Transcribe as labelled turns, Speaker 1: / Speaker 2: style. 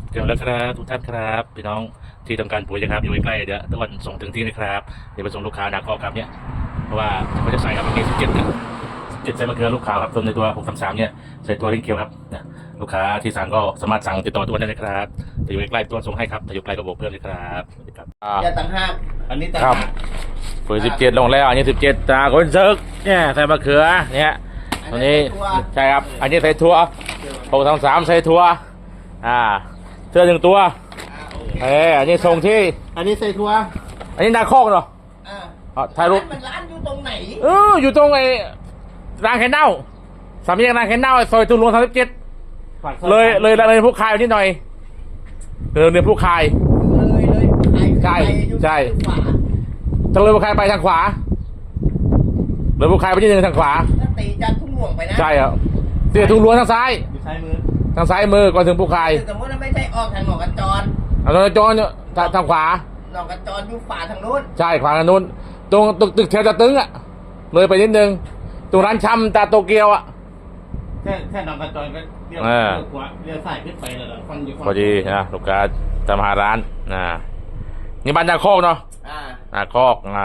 Speaker 1: เดี๋ยวแล้วครับทุกท่านครับพี่น้องที่ต้องการปุ๋ยนะครับอยู่ใกล้ๆเดี๋ยวตะวันส่งถึงที่นะครับเดี๋ยวไปส่งลูกค้านาคอครับเนี่ยเพราะว่าเขาจะใส่ครับมี17นะ17ใส่มะเขือลูกค้าครับส่วนในตัว633เนี่ยใส่ตัวลิงเคียวครับนะลูกค้าที่สั่งก็สามารถสั่งติดต่อตัวได้เลยครับแต่อยู่ใกล้ๆตัวส่งให้ครับแต่อยู่ไกลก็บอกเพื่อนเลยครับสวัสดีครับ
Speaker 2: อย่าต่างหากอันนี้ต่าง
Speaker 1: ครับ
Speaker 2: หาก
Speaker 1: ปุ๋ย17ลงแล้วอันนี้17ตาคนซึกเนี่ยใส่มะเขือเนี่ยตัวนี้ใช่ครับอันนี้ใส่ถั่ว633ใส่ถั่วเสื้อ1ตัวอันนี้ส่งที่
Speaker 2: อันนี้ใส่ถั่ว
Speaker 1: อันนี้นาคอกเนาะ ถ่ายรูป
Speaker 2: มันร้านอยู่ตรงไหน
Speaker 1: อยู่ตรงไอ้รางแคนเน่าสามแยกรางแคนเน่าซอยตุลวง37เลยผู้คายนิดหน่อยเลยผู้คาย
Speaker 2: เลย
Speaker 1: ใช่
Speaker 2: อยู่
Speaker 1: ใช่
Speaker 2: ขวา
Speaker 1: ทางเลยผู้คายไปทางขวาเลยผู้คายไปนิดนึงทางขวา
Speaker 2: ถ้าตีจากทุ่งหลวงไปนะ
Speaker 1: ใช่ครับเสียทุ่งหลวงทางซ้าย
Speaker 2: อยู่ซ้ายมือ
Speaker 1: ทางซ้ายมือก่อนถึงผู้คาย
Speaker 2: สมมติว่าไม่ใช่ออกทางหนองกระจร
Speaker 1: เอาตรงจอนทางขวา
Speaker 2: หนองกระจรอยู่ขวาทางนู้น
Speaker 1: ใช่ขวาทางนู้นตรงตึกแถวตะตึงเลยไปนิดนึงตรงร้านชำตาโตเกียว
Speaker 2: แค่หนองกระจรก็เลี้ยวขวาเลี้ยวซ้ายขึ้นไปเลยฟังอยู่ฝั่ง
Speaker 1: พอดีนะลูกค้าทำหาร้านนี่บ้านนาคอกเนาะนาคอก